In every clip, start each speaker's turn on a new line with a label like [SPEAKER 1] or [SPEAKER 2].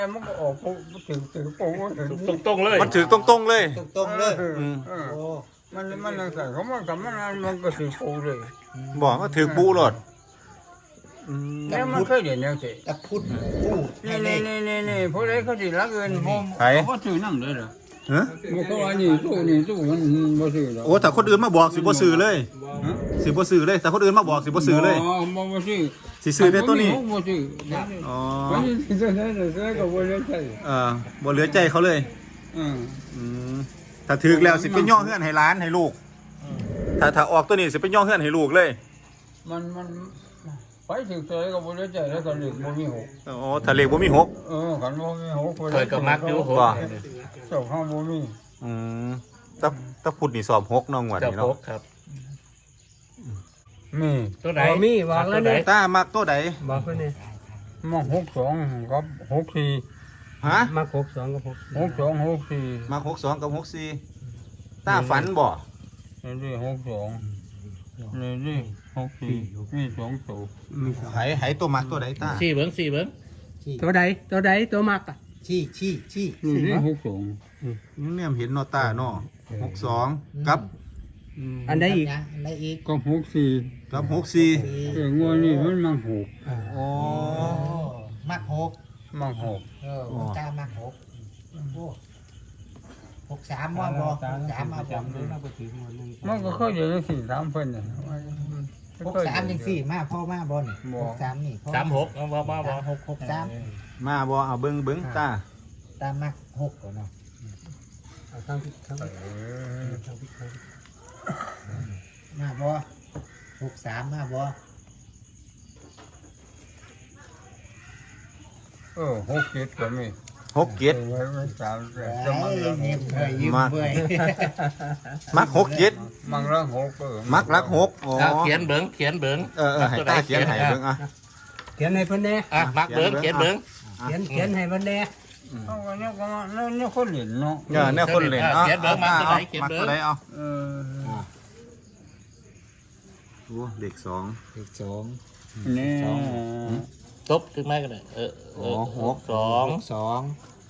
[SPEAKER 1] มันก็ออกถึงโป้ถึง
[SPEAKER 2] ตรงๆเลย
[SPEAKER 3] มันถือตรงๆเลย
[SPEAKER 4] ตรงๆเลยโอ้
[SPEAKER 1] มันใส่เขามันกับมันก็ถือโป้เลย
[SPEAKER 3] บอกว่าถือปูโลด
[SPEAKER 1] แล้วมันเคยเห็นยังสิ
[SPEAKER 4] ตะพุดผู้ให้เลข
[SPEAKER 1] นี่พวกนี้เขาสิรักเงินผม
[SPEAKER 3] ไผ
[SPEAKER 1] เขาถือน้ำเลยเหรอ
[SPEAKER 3] ฮะ
[SPEAKER 1] มันก็ว่านี่ตู้มันบ่ซื้อหรอก
[SPEAKER 3] โอ้ถ้าคนอื่นมาบอกสิบ่ซื้อเลยสิบ่ซื้อเลยแต่คนอื่นมาบอกสิบ่ซื้อเลย
[SPEAKER 1] บ่ซื้อ
[SPEAKER 3] สิซื้อได้ตัวนี้
[SPEAKER 1] บ่ซื้อ
[SPEAKER 3] อ๋อ
[SPEAKER 1] มันสิซื้อก็บ่ได้ใช่
[SPEAKER 3] บ่เหลือใจเขาเลย
[SPEAKER 1] อืม
[SPEAKER 3] ถ้าถือแล้วสิเป็นย่อเฮือนให้ร้านให้ลูกถ้าออกตัวนี้สิเป็นย่อเฮือนให้ลูกเลย
[SPEAKER 1] มันไปถึงตัวก็บ่ได้ใจแล้วก็เหล็กบ่มีหก
[SPEAKER 3] อ๋อถ้าเลขบ่มีหก
[SPEAKER 1] ขันบ่มีหก
[SPEAKER 2] เคยกับมักอยู่หก
[SPEAKER 1] เจ้าข้างบ่มี
[SPEAKER 3] อืมถ้าพูดนี่สอบหกเน้องงวด
[SPEAKER 2] เจ้า
[SPEAKER 3] นี่
[SPEAKER 2] พ
[SPEAKER 3] เนาะ
[SPEAKER 2] กครับ
[SPEAKER 1] มี
[SPEAKER 2] ตัวไหน
[SPEAKER 5] มีวางแล้วเนี่ย
[SPEAKER 3] ตามักตัวใด
[SPEAKER 5] บอกเพื่อนเนี่ย
[SPEAKER 1] มา62กับ64
[SPEAKER 3] ฮะ
[SPEAKER 5] มา62กับ6
[SPEAKER 1] 62 64
[SPEAKER 3] มัก62กับ64ตาฝันบ่
[SPEAKER 1] นี่62นี่64มี2ตัว
[SPEAKER 3] ไหตัวมักตัวใดตา
[SPEAKER 2] สี่เบิ้ง
[SPEAKER 5] ตัวใดตัวมักอ่ะ
[SPEAKER 4] ชี้
[SPEAKER 1] นี่62
[SPEAKER 3] ยังเนี่ยเห็นเนาะตาเนาะ62กับ
[SPEAKER 5] อันใดอีก
[SPEAKER 4] อันใดอีก
[SPEAKER 1] ก็64
[SPEAKER 3] กับ64
[SPEAKER 1] งวดนี้มันมังหก
[SPEAKER 3] อ๋อ
[SPEAKER 4] โอ้มักหก
[SPEAKER 1] มังหก
[SPEAKER 4] ตามักหกโอ้63ว่าบ่63มาบ่
[SPEAKER 1] มันก็เคยอยู่ใน4-3เพิ่นน่ะ
[SPEAKER 4] 63จังซี่มาพ่อมาบ่นี่63นี่พ่อ
[SPEAKER 2] 36เอาบ่
[SPEAKER 4] 63
[SPEAKER 3] มาบ่เอาเบิ่งตา
[SPEAKER 4] ตามักหกก่อนเนาะ
[SPEAKER 5] เอาข้างพิษข้างพิษ
[SPEAKER 4] มาบ่63มาบ่
[SPEAKER 1] 67ก็มี
[SPEAKER 3] 6เจ็ด
[SPEAKER 1] ไว้3แต่จะมัง
[SPEAKER 4] เงียบเบื่อยิ้มเบื่อ
[SPEAKER 3] มัก6เจ็ด
[SPEAKER 1] มังละหก
[SPEAKER 3] มักรัก6อ๋อ
[SPEAKER 2] เขียนเบิ้ง
[SPEAKER 3] ให้ตาเขียนให้เบิ่งอ่ะ
[SPEAKER 5] เขียนให้เพิ่นแน่
[SPEAKER 2] มักเบิ้งเขียนเบิ้ง
[SPEAKER 5] เขียนให้เพิ่นแน่
[SPEAKER 1] เอาก็เนี่ยก็เนี่ยคนเล่นเนาะ
[SPEAKER 3] เนี่ยคนเล่นเนาะ
[SPEAKER 2] เขียนเบิ้งมักตัวไหนเขียน
[SPEAKER 3] มัก
[SPEAKER 2] เบิ้
[SPEAKER 3] ตั
[SPEAKER 2] ง
[SPEAKER 3] วใดเอา
[SPEAKER 1] เออ
[SPEAKER 3] โอ้เด็ก2
[SPEAKER 4] อีกสอง
[SPEAKER 1] นี่
[SPEAKER 2] ตบขึ้นมากันเลย2
[SPEAKER 4] สอง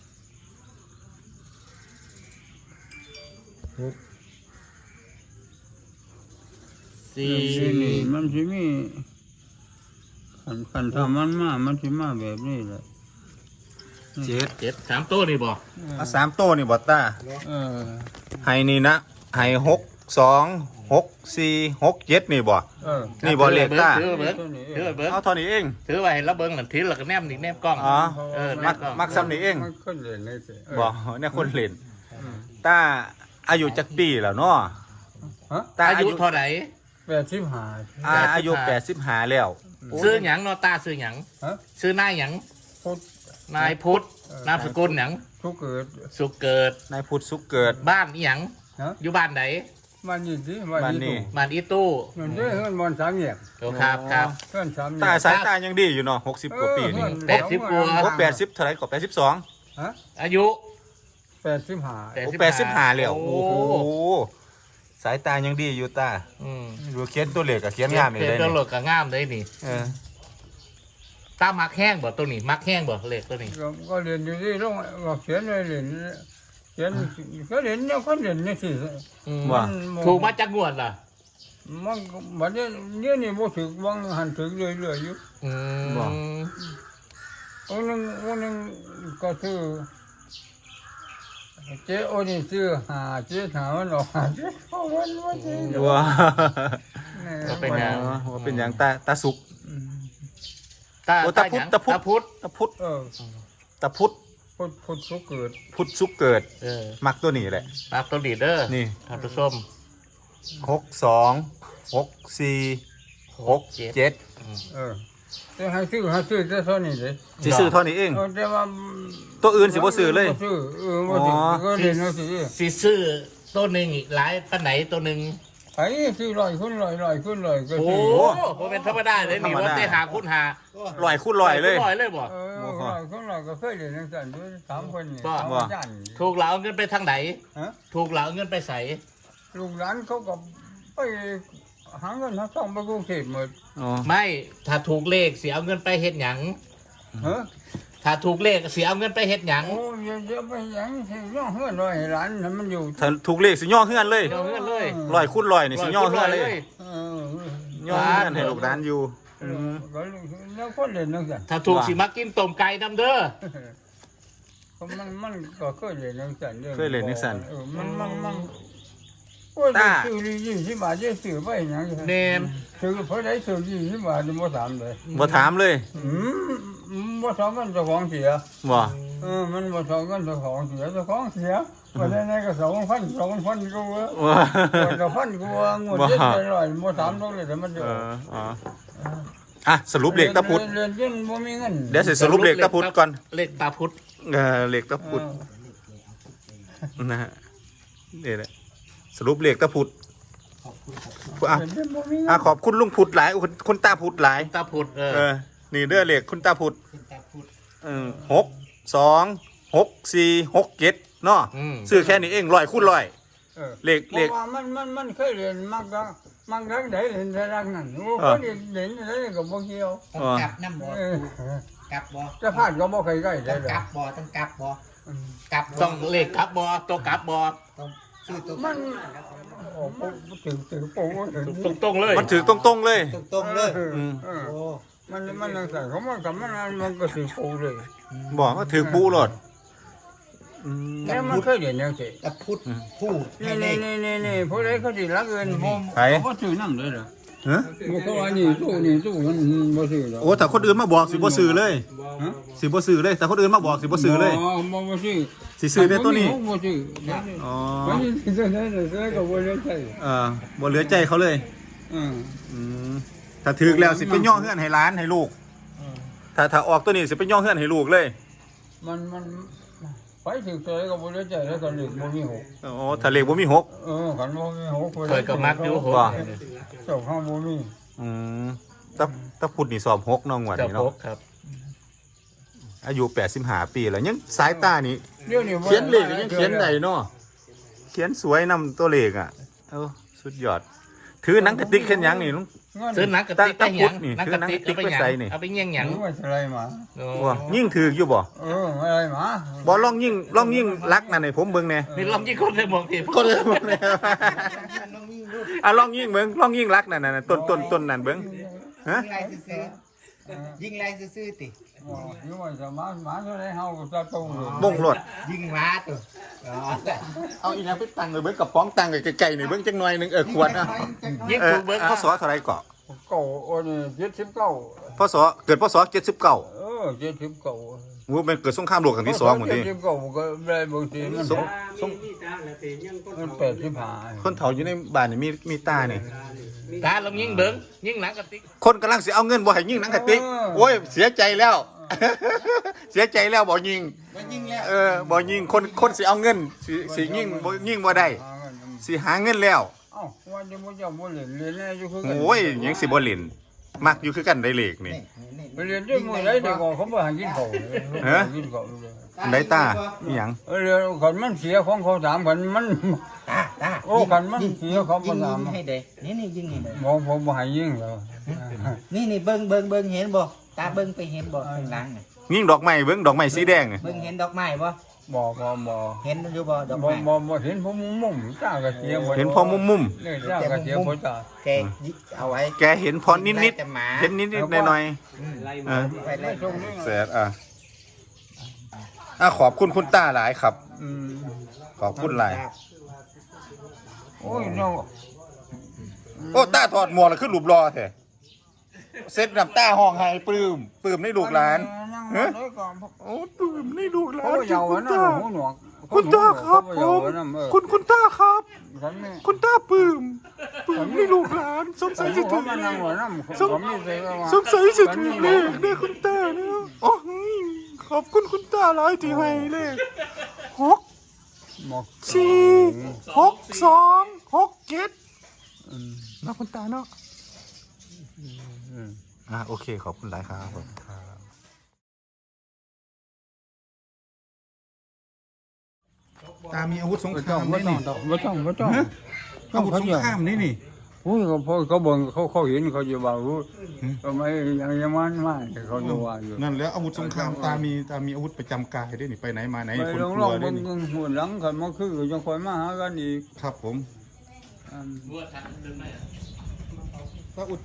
[SPEAKER 1] นี่
[SPEAKER 2] 4
[SPEAKER 1] มันสิมีขันทำมันสิมาแบบนี้แหละ
[SPEAKER 3] 7
[SPEAKER 2] 7 3ตัวนี่บ่
[SPEAKER 3] เอา3ตัวนี่บ่ตา
[SPEAKER 1] เออ
[SPEAKER 3] ให้นี่นะให้6 2 6 4 6 7นี่บ่
[SPEAKER 1] เออ
[SPEAKER 3] นี่บ่เลขตา
[SPEAKER 2] ถือเบิ้งถือเบิ้ง
[SPEAKER 3] เอาเท่านี้เอง
[SPEAKER 2] ถือไว้แล้วเบิ้งนั่นถือแล้วก็แนมนี่แนมกล้อง
[SPEAKER 3] อ๋อ
[SPEAKER 2] แน
[SPEAKER 3] มัก
[SPEAKER 2] กล้อง
[SPEAKER 3] มักซ้ำนี่เอง
[SPEAKER 1] มันคนเล่นเลยสิ
[SPEAKER 3] บ่เนี่ยคนเล่นตาอายุจักปีแล้วเนาะ
[SPEAKER 1] ฮะ
[SPEAKER 3] ตา
[SPEAKER 2] อายุเท่าไหร่
[SPEAKER 1] 85
[SPEAKER 3] อายุ85แล้ว
[SPEAKER 2] ซื้อหยังเนาะตาซื้อหยัง
[SPEAKER 1] ฮะ
[SPEAKER 2] ซื้อนายหยัง
[SPEAKER 1] พุทธ
[SPEAKER 2] นายพุทธนามสกุลหยัง
[SPEAKER 1] ทุกเกิด
[SPEAKER 2] สุขเกิด
[SPEAKER 3] นายพุทธสุขเกิด
[SPEAKER 2] บ้านอีหยัง
[SPEAKER 1] ฮะ
[SPEAKER 2] อยู่บ้านไหน
[SPEAKER 1] มันอยู่ที่
[SPEAKER 3] บ้านนี้
[SPEAKER 2] บ้านอีตู้
[SPEAKER 1] มันได้เฮือนบอลสามเหยียบ
[SPEAKER 2] โอ้ครับครับ
[SPEAKER 1] เฮือนสามเหยี
[SPEAKER 3] ตาย สายตายังดีอยู่เนาะ60กว่าปีนี่
[SPEAKER 2] 80กว่า
[SPEAKER 3] โอ้80เท่าไหร่ก็82
[SPEAKER 1] ฮะ
[SPEAKER 2] อายุ
[SPEAKER 1] 85
[SPEAKER 3] โอ้85แล้วโอ้โหสายตายังดีอยู่ตา
[SPEAKER 2] อืม
[SPEAKER 3] ดูเขียนตัวเลขก็เขียนงามอยู่
[SPEAKER 2] เขี
[SPEAKER 3] เลย
[SPEAKER 2] ตัว
[SPEAKER 3] นี่
[SPEAKER 2] โหลดกับงามเลยนี่
[SPEAKER 3] เออ
[SPEAKER 2] ตามักแห้งบ่ตัวนี้มักแห้งบ่เลขตัวนี้
[SPEAKER 1] ก็เรียนอยู่ที่โรงก็เขียนเลยเรียนเขียนก็เรียนเนี่ยก็เรียนนี่สิ
[SPEAKER 2] อืม
[SPEAKER 3] ว่า
[SPEAKER 2] ถูกมาจากงวดล่ะ
[SPEAKER 1] มันบัดนี้เนี่ยนี่บ่ถึกวังหันถึกเรื่อยๆอยู่
[SPEAKER 2] อืม
[SPEAKER 1] วันนึงก็คือเจ้าโอนี่ซื้อหาเจ้าถามมันออกหาเจ้าวันว่าเจ้า
[SPEAKER 3] ว้า
[SPEAKER 2] ก็เป็นหยัง
[SPEAKER 3] ว่าเป็นหยังตาสุก
[SPEAKER 2] ตา
[SPEAKER 3] โอ้ตาพุทธ
[SPEAKER 2] หยัง
[SPEAKER 3] ตาพุทธ
[SPEAKER 2] ตาพุทธ
[SPEAKER 3] ตาพุทธ
[SPEAKER 1] เออ
[SPEAKER 3] ตาพุทธ
[SPEAKER 1] พุทธสุเกิด
[SPEAKER 3] พุทธสุกเกิด
[SPEAKER 2] เออ
[SPEAKER 3] มักตัวนี้แหละ
[SPEAKER 2] มักตัวนี้เด้อ
[SPEAKER 3] นี่
[SPEAKER 2] ท่านผู้ชม
[SPEAKER 3] 62 64 67
[SPEAKER 1] เออแต่ให้ซื้อแต่เท่านี้เลย
[SPEAKER 3] สิซื้อเท่านี้เอง
[SPEAKER 1] แต่ว่า
[SPEAKER 3] ตัวอื่นสิบ่ซื้อเลย
[SPEAKER 1] บ่ซื้อบ่ซื้อก็เรียนเอาสิ
[SPEAKER 2] สิซื้อตัวหนึ่งอีกหลายปานไหนตัวหนึ่ง
[SPEAKER 1] ไอ้ซื้อ100 คน100 คน100ก็
[SPEAKER 2] โอ้
[SPEAKER 1] ซื้อ
[SPEAKER 2] โหเป็นธรรมดาเลยนี่ว่าได้หาคุณหา
[SPEAKER 3] ลอยคูณลอยเลย
[SPEAKER 2] ลอยเลยบ่
[SPEAKER 1] 100 คน100ก็เคยเรียนจังซั่นอยู่3คนนี่
[SPEAKER 2] บ่
[SPEAKER 1] สามอาจารย์
[SPEAKER 2] ถูกเหลาเอาเงินไปทางไหน
[SPEAKER 1] ฮะ
[SPEAKER 2] ถูกเหลาเอาเงินไปใส่
[SPEAKER 1] ลูกหลานเขาก็ไปหาเงินหาทองไปกรุงเทพหมด
[SPEAKER 3] อ๋อ
[SPEAKER 2] ไม่ถ้าถูกเลขสิเอาเงินไปเฮ็ดหยัง
[SPEAKER 1] ฮะ
[SPEAKER 2] ถ้าถูกเลขเสียเอาเงินไปเฮ็ดหยัง
[SPEAKER 1] โอ้ยเดี๋ยวไปหยังสิย่อเฮือนไว้ให้หลานให้มันอยู่
[SPEAKER 3] ถ้าถูกเลขสิย่อเฮือนเลย
[SPEAKER 2] เอาเงินเลย
[SPEAKER 3] 100คูณ100นี่สิย่อเฮือนเลย
[SPEAKER 1] เออย่
[SPEAKER 3] อเฮือนให้ลูกหลานอยู่
[SPEAKER 1] ก็แล้วคนเล่นนั่นกัน
[SPEAKER 2] ถ้าถูกสิมากินต้มไก่นำเด้อ
[SPEAKER 1] มันก็เคยเล่นนั่นกันเด้อ
[SPEAKER 3] เคยเล่นจังซั่น
[SPEAKER 1] มันโอ้ยซื้อ20 บาทจะซื้อไปหยัง
[SPEAKER 2] เนม
[SPEAKER 1] ซื้อเพราะได้ซื้อ20 บาทบ่ถามเลย
[SPEAKER 3] บ่ถามเลย
[SPEAKER 1] บ่ถามกันเจ้าของเสีย
[SPEAKER 3] บ่
[SPEAKER 1] มันบ่ถามกันเจ้าของเสียเจ้าของเสียบ่ได้ไหนก็2,000กูว่า
[SPEAKER 3] ว่า
[SPEAKER 1] บ่พันกูว่างวดเจ็ดร้อยบ่ถามตรงเลยแต่มันเด้อ
[SPEAKER 3] อ่ะสรุปเลขตะพุด
[SPEAKER 1] เรียนจนบ่มีเงิน
[SPEAKER 3] เดี๋ยวสิสรุปเลขตะพุดก่อน
[SPEAKER 2] เลขตาพุธ
[SPEAKER 3] เลขตะพุดนะฮะนี่แหละสรุปเลขตะพุดอ่ะ
[SPEAKER 1] เรียนจนบ่มีเงิน
[SPEAKER 3] ขอบคุณลุงพุดหลายคุณตาพุดหลาย
[SPEAKER 2] ตาพุธ
[SPEAKER 3] นี่เด้อเลขคุณตาพุด
[SPEAKER 4] คุณตาพูด
[SPEAKER 3] 6 2 6 4 6 7เนาะซื้อแค่นี้เอง100คูณ100เลข
[SPEAKER 1] เพราะว่ามันเคยเรียนมักรักได้เรียนแต่รักนั่นโอ้ก็เรียนอะไรก็บ่เกี่ยว
[SPEAKER 4] ต้องกลับน้ำบ่
[SPEAKER 1] เออก
[SPEAKER 4] ลับบ่
[SPEAKER 1] จะพลาดก็บ่เคยใกล้
[SPEAKER 4] ต้
[SPEAKER 1] ได้
[SPEAKER 4] อง
[SPEAKER 1] ดอก
[SPEAKER 4] ลับบ่ต้องกลับบ่กลับบ่
[SPEAKER 2] ต้องเลขกลับบอตัวกลับบอ
[SPEAKER 4] ต้องซื้อตัว
[SPEAKER 1] มันโอ้ถึงโป้ถึง
[SPEAKER 2] ตรงๆเลย
[SPEAKER 3] มันถือตรงๆเลย
[SPEAKER 4] ตรงๆเลย
[SPEAKER 1] โอ้มันนั่งใส่เขามันกับมันก็ถึงโป้เลย
[SPEAKER 3] บอกว่าถือปูโลด
[SPEAKER 1] แล้วมันเคยเรียนยังไง
[SPEAKER 4] ตะพุดพูดให้
[SPEAKER 1] นี่
[SPEAKER 4] เลข
[SPEAKER 1] นี่พวกนี้เขาสิรักเงินผม
[SPEAKER 3] ไผ
[SPEAKER 1] เขาซื้อน้ำเลยเหรอ
[SPEAKER 3] ฮะ
[SPEAKER 1] เขาว่านี่ตู้มันบ่ซื้อหรอก
[SPEAKER 3] โอ้ถ้าคนอื่นมาบอกสิบ่ซื้อเลยสิบ่ซื้อเลยแต่คนอื่นมาบอกสิบ่ซื้อเลย
[SPEAKER 1] บ่ซื้อ
[SPEAKER 3] สิซื้อในตัวนี้
[SPEAKER 1] บ่ซื้อ
[SPEAKER 3] อ๋อ
[SPEAKER 1] วันนี้ซื้อได้ก็บ่ได้ใช้
[SPEAKER 3] บ่เหลือใจเขาเลย
[SPEAKER 1] อืม
[SPEAKER 3] อืมถ้าถึกแล้วสิเป็นย่อเฮือนให้หลานให้ลูก ถ้าออกตัวนี้สิเป็นย่อเฮือนให้ลูกเลย
[SPEAKER 1] มันไปถึงตัวก็บ่ได้ใจแล้วก็เหลือบ่มีหก
[SPEAKER 3] โอ้ถ้าเลขบ่มีหก
[SPEAKER 1] คันบ่มีหก
[SPEAKER 2] เคยกับมักอยู่โห
[SPEAKER 1] เจ้าข้างบ่มี
[SPEAKER 3] อืมถ้าพุดนี่สอบ6น้องว่า
[SPEAKER 2] จะ
[SPEAKER 3] นี่
[SPEAKER 2] พ
[SPEAKER 3] เนาะ
[SPEAKER 2] กครับ
[SPEAKER 3] อายุ85ปีแล้วยังสายตานี่
[SPEAKER 1] เดี๋ยวนี้
[SPEAKER 3] เขียนเลขก็ยังเขียนได้เนาะเขียนสวยนำตัวเลขอ่ะสุดยอด ถือหนังกระติกเขียนหยังนี่ลุง
[SPEAKER 2] ซื้อหนังกระติกไปหยัง
[SPEAKER 3] นี่
[SPEAKER 2] หนัง
[SPEAKER 3] คื
[SPEAKER 2] ก
[SPEAKER 3] อ
[SPEAKER 2] ระติก
[SPEAKER 3] หนังกระติก
[SPEAKER 2] เอาไปหยัง
[SPEAKER 3] ไปใส่นี่
[SPEAKER 2] เอาไปเงี้ยงหยัง
[SPEAKER 1] ว่าอะไรมา
[SPEAKER 3] ว่ายิ่งถือกอยู่บ่
[SPEAKER 1] อะไรมา
[SPEAKER 3] บ่ลองยิ่งรักนั่นให้ผมเบิ่งแหน่
[SPEAKER 2] นี่ลองยี่คนเลยมองที
[SPEAKER 3] คนเลยบ่แน่ลองยิ่งเบิ่งลองยิ่งรักนั่นน่ะต้นนั่นเบิ่งฮะ
[SPEAKER 4] ยิงไรซื้อติ
[SPEAKER 1] อยู่ว่าจะมาเท่าไรเฮาก็จะโตเลย
[SPEAKER 3] บ่งรถ
[SPEAKER 4] ยิงม้าตัว
[SPEAKER 3] เอาอีหยังไปตั้งไว้เบิ่งกับป้องตั้งไว้ไกลๆนี่เบิ่งจังหน่อยนึงขวดอ่ะ
[SPEAKER 2] ยิ่งถูกเบิ้ง
[SPEAKER 3] พศเท่าไหร่เกาะ
[SPEAKER 1] เก่าโอ้นี่79
[SPEAKER 3] พศเกิดพศ79
[SPEAKER 1] 79
[SPEAKER 3] โอ้เป็นเกิดสงครามโลกครั้งที่2หมดนี่
[SPEAKER 1] 79ก็ได้บางทีมัน มัน85
[SPEAKER 3] คนเฒ่าอยู่ในบ้านนี่มีตานี่
[SPEAKER 2] ตาลองยิ่งเบิ้งยิ่งหนังกระติก
[SPEAKER 3] คนกำลังสิเอาเงินบ่ให้ยิงหนังกระติกโอ้ยเสียใจแล้ว เสียใจแล้วบ่ยิง
[SPEAKER 4] มันยิงแล้ว
[SPEAKER 3] บ่ยิงคนสิเอาเงินสิยิงบ่ได้สิหาเงินแล้ว
[SPEAKER 1] เอ้าว่าจะบ่เจ้าบ่เล่นอยู่คือกัน
[SPEAKER 3] โอ้ยยังสิบ่เล่นมักอยู่คือกันได้เลขนี่
[SPEAKER 1] ไปเรียนด้วยมื้อใดแต่ก่อนเขาบ่ให้กินข้าวกินข้าวเลย
[SPEAKER 3] ได้ตาอีหยัง
[SPEAKER 1] เรียนคันมันเสียของเขาถามคันมัน
[SPEAKER 4] ตา
[SPEAKER 1] โอ้คันมันเสียเขาบ่ถาม
[SPEAKER 4] ให้เด้นี่ยิงให้เด้
[SPEAKER 1] ผมบ่ให้ยิงแล้ว
[SPEAKER 4] นี่เบิ่งเห็นบ่ตาเบิ่งไปเห็นบ่ข้างหลังน่ะ
[SPEAKER 3] ยิงดอกไม้เบิ่งดอกไม้สีแดง
[SPEAKER 4] เบิ่งเห็นดอกไม้บ่
[SPEAKER 1] บ่
[SPEAKER 4] เห็นอยู่บ่ดอกไม้
[SPEAKER 1] บ่เห็นผมมุมๆจ้าก็เสีย
[SPEAKER 3] เห็นพอมุม
[SPEAKER 1] นี่จ้าก็เสียบ่จ้า
[SPEAKER 4] แกเอาไว้
[SPEAKER 3] ๆแกเห็นพอนิด
[SPEAKER 4] แต่หมา
[SPEAKER 3] ๆเห็นนิดๆหน่อยๆ
[SPEAKER 4] ไปไล่
[SPEAKER 1] ตรงนี้
[SPEAKER 3] แสดขอบคุณคุณตาหลายครับ ขอบคุณหลาย
[SPEAKER 1] โอ้ยน้อง
[SPEAKER 3] โอ้ตาถอดหมวกแล้วขึ้นรูปรอแท้เซ็ตน้ำตาห้องให้ปลื้มในลูกหลาน
[SPEAKER 1] ฮะก่อน
[SPEAKER 3] โอ้ปลื้มในลูกหลา
[SPEAKER 1] เขา
[SPEAKER 3] น
[SPEAKER 1] เยาว์นะหูหนวก
[SPEAKER 3] คุณตาครับผมคุณตาครับ
[SPEAKER 1] ฉันไม่
[SPEAKER 3] คุณตาปลื้มในลูกหลานสงสัยสิถึง
[SPEAKER 1] มันนั่งหัวน้ำผมไม่เคยว่า
[SPEAKER 3] สงสัยสิถึงเลขได้คุณตาเนาะโอ้ยขอบคุณคุณตาหลายที่ให้เลข6 4 6 2 6 7นะคุณตาเนาะโอเคขอบคุณหลายครับตามีอาวุธสงครามนี่นี่
[SPEAKER 1] ไม่ต้อง
[SPEAKER 3] อาวุธสงครามนี่
[SPEAKER 1] อุ้ยเขาเบิ่งเขาเห็นเขาจะว่ารู้ทำไมยังมันมากเขาจะว่าอยู่
[SPEAKER 3] นั่นแล้วอาวุธสงครามตามีอาวุธประจำกายด้วยนี่ไปไหนมาไหน
[SPEAKER 1] ไป
[SPEAKER 3] คน
[SPEAKER 1] ลอง
[SPEAKER 3] ก
[SPEAKER 1] ล
[SPEAKER 3] ลั
[SPEAKER 1] อง
[SPEAKER 3] วด้ว
[SPEAKER 1] เบิ่
[SPEAKER 3] ย
[SPEAKER 1] ง
[SPEAKER 3] นี่
[SPEAKER 1] หัวหลังกันมาคือยังคอยมาหากันอีก
[SPEAKER 3] ครับผมก็อุด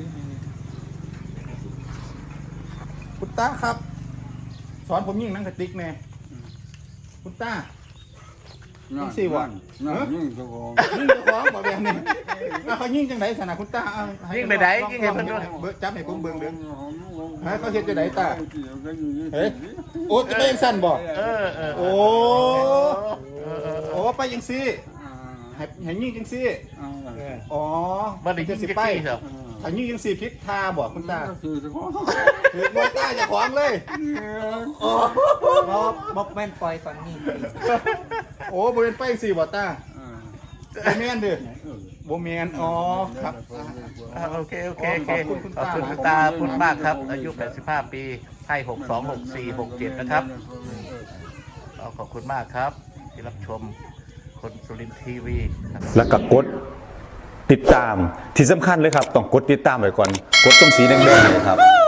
[SPEAKER 3] คุณตาครับ สอนผมยิงหนังกระติกแน่คุณตา
[SPEAKER 1] นั่น
[SPEAKER 3] สิวะ
[SPEAKER 1] นั่นยิ่งเจ้าของ
[SPEAKER 3] ยิงเจ้าของบอกแบบนี้เขายิงจังไหนสนะคุณตาเอาให้
[SPEAKER 2] ยิงไปไหนยิงให้เพิ่นด้วย
[SPEAKER 3] เบิ่งจับให้ผมเบิ่งเด้อ ฮะเขาเฮ็ดจังไดตา เฮ้ยโอ้จะไปยังสั้นบ่
[SPEAKER 2] เออ
[SPEAKER 3] โอ้โอ้ไปยังซี่ให้ยิงจังซี่อ๋อ
[SPEAKER 2] บ่ได้ยิง
[SPEAKER 3] สิ
[SPEAKER 2] จัก
[SPEAKER 3] ไป
[SPEAKER 2] ซี่ครับ
[SPEAKER 3] ถ้ายิงจังซี่พิษทาบ่คุณตา
[SPEAKER 1] คือเจ้าของ
[SPEAKER 3] ถือมวยตาอย่าขวางเลยโอ้
[SPEAKER 4] บ่แม่นปล่อยฝั่งนี้
[SPEAKER 3] โอ้บ่เป็นไปจังซี่บ่ตาบ่แม่นเด้อบ่แม่นอ๋อครับ
[SPEAKER 2] โอเค
[SPEAKER 3] ขอบคุณคุณ
[SPEAKER 2] ขอบคุณ
[SPEAKER 3] ตา
[SPEAKER 2] คุณตาพูดมากครับ อายุ 85 ปีให้62 64 67 นะครับขอบคุณมากครับ ที่รับชมคนสุรินทร์ทีวีครับ
[SPEAKER 6] แล้วก็กดติดตามที่สำคัญเลยครับ ต้องกดติดตามไว้ก่อน กดตรงสีแดงๆเนยครับ